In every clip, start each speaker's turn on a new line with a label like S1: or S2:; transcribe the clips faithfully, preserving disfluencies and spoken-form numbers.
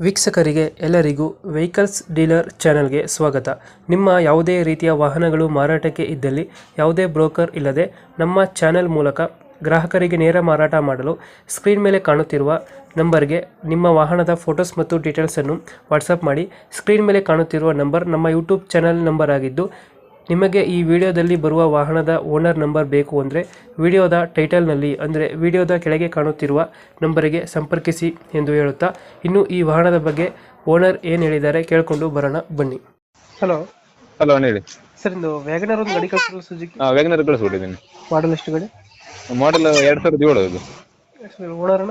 S1: ವೀಕ್ಷಕರಿಗೆ ಎಲ್ಲರಿಗೂ vehicles dealer ಚಾನೆಲ್ಗೆ ಸ್ವಾಗತ. ನಿಮ್ಮ ಯಾವುದೇ ರೀತಿಯ ವಾಹನಗಳು ಮಾರಾಟಕ್ಕೆ ಇದ್ದಲ್ಲಿ ಯಾವುದೇ ಬ್ರೋಕರ್ ಇಲ್ಲದೆ ನಮ್ಮ ಚಾನೆಲ್ ಮೂಲಕ ಗ್ರಾಹಕರಿಗೆ ನೇರ ಮಾರಾಟ ಮಾಡಲು ಸ್ಕ್ರೀನ್ ಮೇಲೆ ಕಾಣುತ್ತಿರುವ ನಂಬರ್ಗೆ ನಿಮ್ಮ ವಾಹನದ ಫೋಟೋಸ್ ಮತ್ತು ಡೀಟೇಲ್ಸನ್ನು ವಾಟ್ಸಪ್ ಮಾಡಿ. ಸ್ಕ್ರೀನ್ ಮೇಲೆ ಕಾಣುತ್ತಿರುವ ನಂಬರ್ ನಮ್ಮ ಯೂಟ್ಯೂಬ್ ಚಾನೆಲ್ ನಂಬರ್ ಆಗಿದ್ದು, ನಿಮಗೆ ಈ ವಿಡಿಯೋದಲ್ಲಿ ಬರುವ ವಾಹನದ ಓನರ್ ನಂಬರ್ ಬೇಕು ಅಂದರೆ ವಿಡಿಯೋದ ಟೈಟಲ್ನಲ್ಲಿ ಅಂದರೆ ವಿಡಿಯೋದ ಕೆಳಗೆ ಕಾಣುತ್ತಿರುವ ನಂಬರಿಗೆ ಸಂಪರ್ಕಿಸಿ ಎಂದು ಹೇಳುತ್ತಾ, ಇನ್ನು ಈ ವಾಹನದ ಬಗ್ಗೆ ಓನರ್ ಏನು ಹೇಳಿದ್ದಾರೆ ಕೇಳಿಕೊಂಡು ಬರೋಣ ಬನ್ನಿ. ಹಲೋ
S2: ಹಲೋ ಹೇಳಿ
S1: ಸರ್, ಇಂದು ವ್ಯಾಗನರ್ ಒಂದು ಗಾಡಿ ಕಳಿಸಿದ್ರು ಸುಜುಕಿ,
S2: ಹಾ ವ್ಯಾಗನರ್ ಕಳಿಸ್ಬಿಟ್ಟಿದ್ದೀನಿ.
S1: ಮಾಡಲ್ ಎಷ್ಟು ಗಾಡಿ?
S2: ಮಾಡೆಲ್ ಎರಡ್ ಸಾವಿರದ ಏಳು ಅದು.
S1: ಓನರ್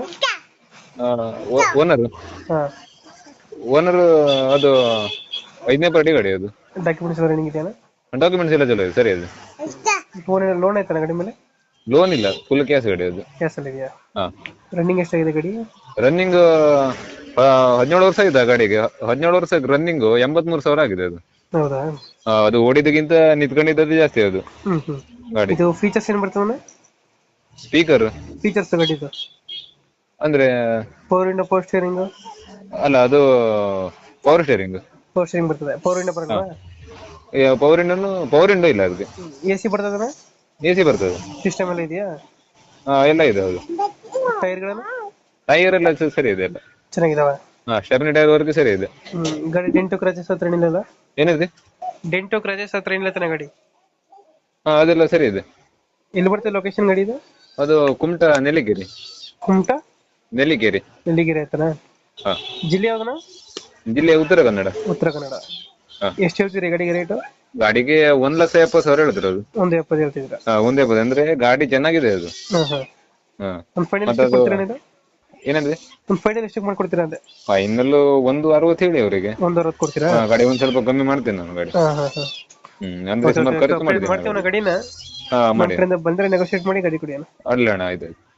S2: ಓನರ್
S1: ಹಾಂ
S2: ಓನರ್ ಅದು ಐದನೇ ಪಾರ್ಟಿ ಗಾಡಿ ಅದು.
S1: ಡಾಕ್ಯುಮೆಂಟ್ಸ್ ರನ್ನಿಂಗ್ ಇದೆಯಾ?
S2: ಡಾಕ್ಯುಮೆಂಟ್ಸ್ ಎಲ್ಲ ಚಲೋ ಇದೆ, ಸರಿ ಅದು.
S1: ಫೋನ್ ಲೋನ್ ಆಯ್ತಾನ ಗಾಡಿ ಮೇಲೆ?
S2: ಲೋನ್ ಇಲ್ಲ, ಫುಲ್ ಕ್ಯಾಶ್ ಗಾಡಿ ಅದು.
S1: ಕ್ಯಾಸಲ್ಲಿ ಇದೆಯಾ?
S2: ಹಾ
S1: ರನ್ನಿಂಗ್ ಎಷ್ಟಾಗಿದೆ ಗಾಡಿ?
S2: ರನ್ನಿಂಗ್ ಹದಿನೇಳು ವರ್ಷ ಇದೆ ಗಾಡಿಗೆ. ಹದಿನೇಳು ವರ್ಷ ರನ್ನಿಂಗ್ ಎಂಬತ್ಮೂರು ಸಾವಿರ ಆಗಿದೆ ಅದು.
S1: ಹೌದಾ?
S2: ಆ, ಅದು ಓಡಿದಕ್ಕಿಂತ ನಿಂತ್ಕೊಂಡಿದ್ದದ್ದು ಜಾಸ್ತಿ ಅದು
S1: ಹ್ಮ್ ಹ್ಮ್
S2: ಗಾಡಿ.
S1: ಇದು ಫೀಚರ್ಸ್ ಏನು ಬರ್ತದೆ?
S2: ಸ್ಪೀಕರ್
S1: ಫೀಚರ್ಸ್ ಗಾಡಿದು
S2: ಅಂದ್ರೆ
S1: ಪವರ್ ವಿಂಡೋ, ಪವರ್ ಸ್ಟೇರಿಂಗ್?
S2: ಅಲ್ಲ, ಅದು ಪವರ್ ಸ್ಟೇರಿಂಗ್.
S1: ಪವರ್ ಸ್ಟೇರಿಂಗ್ ಬರ್ತದೆ. ಪವರ್ ವಿಂಡೋ ಬರಲ್ವಾ?
S2: ಪವರ್ ವಿಂಡೋ ಪವರ್ ವಿಂಡೋ ಇಲ್ಲ ಅದಕ್ಕೆ.
S1: ಎ ಸಿ ಬರ್ತದೆ?
S2: ಎ ಸಿ ಬರ್ತದೆ.
S1: ಸಿಸ್ಟಮ್ ಎಲ್ಲ ಇದೆಯಾ?
S2: ಹಾ ಎಲ್ಲ ಇದೆ ಹೌದು.
S1: ಟೈರ್ಗಳನ್ನು
S2: ಟೈರ್ ಎಲ್ಲ ಚ- ಸರಿ ಇದೆ ಎಲ್ಲ.
S1: ಚೆನ್ನಾಗಿದಾವ?
S2: ಹಾ ಸ್ಟೆಪ್ನಿ ಟೈರ್ ವರ್ಗೂ ಸರಿ ಇದೆ.
S1: ಹ್ಮ್ ಗಾಡಿ ಡೆಂಟೋ ಕ್ರಾಚಸ್ ಹತ್ರ ಏನಿಲ್ಲ?
S2: ಏನಿದೆ?
S1: ಡೆಂಟೋ ಕ್ರಾಚಸ್ ಹತ್ರ ಏನಿಲ್ಲ ತಾನೆ ಗಾಡಿ?
S2: ಹಾ ಅದೆಲ್ಲ ಸರಿ ಇದೆ.
S1: ಎಲ್ಲಿ ಬರ್ತದೆ ಲೊಕೇಶನ್ ಗಾಡಿ ಇದು?
S2: ಅದು ಕುಮಟ ನೆಲ್ಲಿಗೇರಿ.
S1: ಕುಮಟಾ
S2: ನೆಲ್ಲಿಗೇರಿ.
S1: ನೆಲ್ಲಿಗೆರೆ ಆಯ್ತಾನ?
S2: ಹಾ
S1: ಜಿಲ್ಲೆ ಯಾವ್ದನ?
S2: ಜಿಲ್ಲೆ ಉತ್ತರ ಕನ್ನಡ.
S1: ಉತ್ತರ ಕನ್ನಡ.
S2: ಹಾ.
S1: ಎಷ್ಟು ಹೇಳ್ತೀರಿ ಗಾಡಿಗೆ ರೇಟು?
S2: ಗಾಡಿಗೆ ಒಂದ್ ಲಕ್ಷ ಎಪ್ಪತ್ತು ಸಾವಿರ ಹೇಳಿದ್ರು ಅದು.
S1: ಒಂದು ಎಪ್ಪತ್ತು ಹೇಳ್ತಿದ್ರ?
S2: ಹಾ ಒಂದ್ ಎಪ್ಪತ್ತು ಅಂದ್ರೆ ಗಾಡಿ ಚೆನ್ನಾಗಿದೆ ಅದು.
S1: ಹಾ ಹಾ
S2: ಹಾ
S1: ಒಂದು ಫೈನಲ್
S2: ಮತ್ತೆ
S1: ಎಷ್ಟು
S2: ಅದು
S1: ಕೊಡ್ತೀರಾ ಇದು?
S2: ಏನಂದ್ರೆ
S1: ಒಂದು ಫೈನಲ್ ಎಷ್ಟು ಮಾಡ್ಕೊಡ್ತೀರಾ ಅಂದೆ?
S2: ಫೈನಲ್ ಒಂದು ಅರವತ್ತು ಹೇಳಿ ಅವರಿಗೆ.
S1: ಒಂದು ಅರವತ್ತು ಕೊಡ್ತೀರಾ?
S2: ಹಾ ಗಾಡಿ ಒಂದ್ ಸ್ವಲ್ಪ ಕಮ್ಮಿ ಮಾಡ್ತೇನೆ ನಾನು ಗಾಡಿ.
S1: ಹಾ ಹಾ ಹಾ
S2: ಹ್ಮ್ ಅಂದ್ರೆ ಸುಮಾರು ಖರ್ಚು
S1: ಮಾಡ್ತೀವಿ
S2: ಮಾಡಿದ್ದೀನಿ
S1: ನಾವು ಗಾಡಿನ.
S2: ಹಾ
S1: ನಮ್ಮ
S2: ಮಾಡಿ
S1: ಕಡೆಯಿಂದ ಬಂದ್ರೆ ನೆಗೋಶಿಯೇಟ್ ಮಾಡಿ ಗಾಡಿ ಕೊಡಿ ಅಣ್ಣ.
S2: ಅಲ್ಲ ಅಣ್ಣ ಆಯ್ತು.